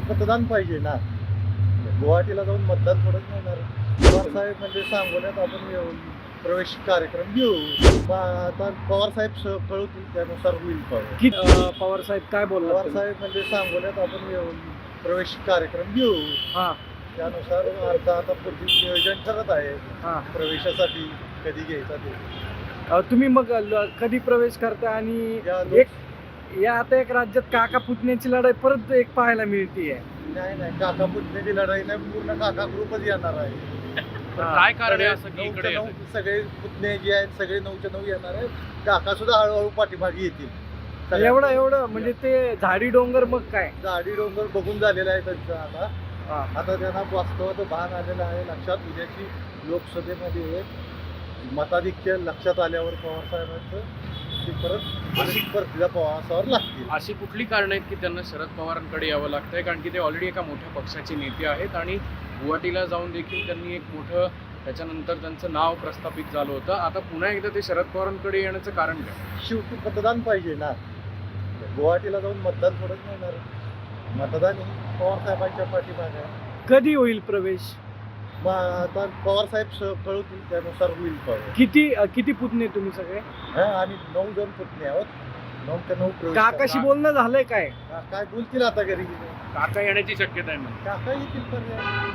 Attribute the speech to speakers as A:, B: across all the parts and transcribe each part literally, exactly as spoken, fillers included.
A: मतदान पाहिजे ना. गुवाहाटीला जाऊन मतदान थोडंच मिळणार. पवार साहेब म्हणजे सांगोल्यात आपण येऊ प्रवेश कार्यक्रम घेऊ. मग आता पवार साहेब स- कळवतील त्यानुसार होईल पवार
B: की अ, पवार साहेब काय बोलणार
A: पवार
B: तुम्ही?
A: साहेब म्हणजे सांगोल्यात आपण येऊ प्रवेश कार्यक्रम घेऊ.
B: हा
A: त्यानुसार आता आता पुढील नियोजन ठरत आहे
B: हा
A: प्रवेशासाठी कधी घ्यायचा ते.
B: अ, तुम्ही मग ल- कधी प्रवेश करता आणि
A: या
B: एक या आता एक राज्यात काका पुतण्याची लढाई परत एक पाहायला मिळतीये.
A: नाही नाही काका पुतण्याची लढाई नाही, पूर्ण काका ग्रुपच येणार आहे.
C: काय कारण आहे असं
A: सगळे
C: की इकडे
A: नऊच्या
C: येतंय?
A: नऊ सगळे पुतणे जे आहेत सगळे नऊच्या नऊ येणार आहेत. काका सुद्धा हळूहळू पाठीमागे येतील. सगळ्या
B: एवढं एवढं म्हणजे ते झाडी डोंगर मग काय
A: झाडी डोंगर बघून झालेला आहे त्यांचं आता.
B: हा.
A: आता त्यांना वास्तवाचं भान आलेलं आहे लक्षात. उद्याची लोकसभेमध्ये मताधिक्य लक्षात आल्यावर पवार साहेबांचं ते परत आणि परतीला पवारांवर लागतील.
C: अशी कुठली कारण आहेत की त्यांना शरद पवारांकडे यावं लागतंय? कारण की ते ऑलरेडी एका मोठ्या पक्षाचे नेते आहेत आणि गुवाहाटीला जाऊन देखील त्यांनी एक मोठं त्याच्यानंतर त्यांचं नाव प्रस्थापित झालं होतं. आता पुन्हा एकदा ते शरद पवारांकडे येण्याचं कारण काय?
A: शेवटी मतदान पाहिजे ना. गुवाहाटीला जाऊन मतदान थोडंच मिळणार. मतदान हे पवार साहेबांच्या पाठीमागे आहे.
B: कधी होईल प्रवेश?
A: मग आता पवार साहेब स- कळवतील त्यानुसार होईल पवार.
B: किती अ, किती पुतणे तुम्ही सगळे?
A: हा आम्ही नऊ जण पुतणे आहोत. नऊ ते नऊ प्रवेश
B: काकाशी
A: करणार.
B: बोलणं झालंय काय?
A: का- काय बोलतील आता घरी गेले.
C: काका येण्याची शक्यता आहे म्हणजे.
A: काका येतील पर्याय.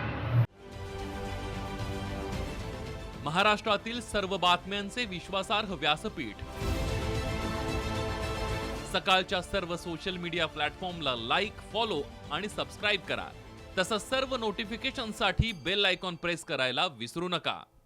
D: महाराष्ट्रातील सर्व बातम्यांचे विश्वासार्ह व्यासपीठ सकाळच्या सर्व सोशल मीडिया प्लॅटफॉर्मला लाईक, फॉलो आणि सबस्क्राईब करा. तसंच सर्व नोटिफिकेशनसाठी बेल आयकॉन प्रेस करायला विसरू नका.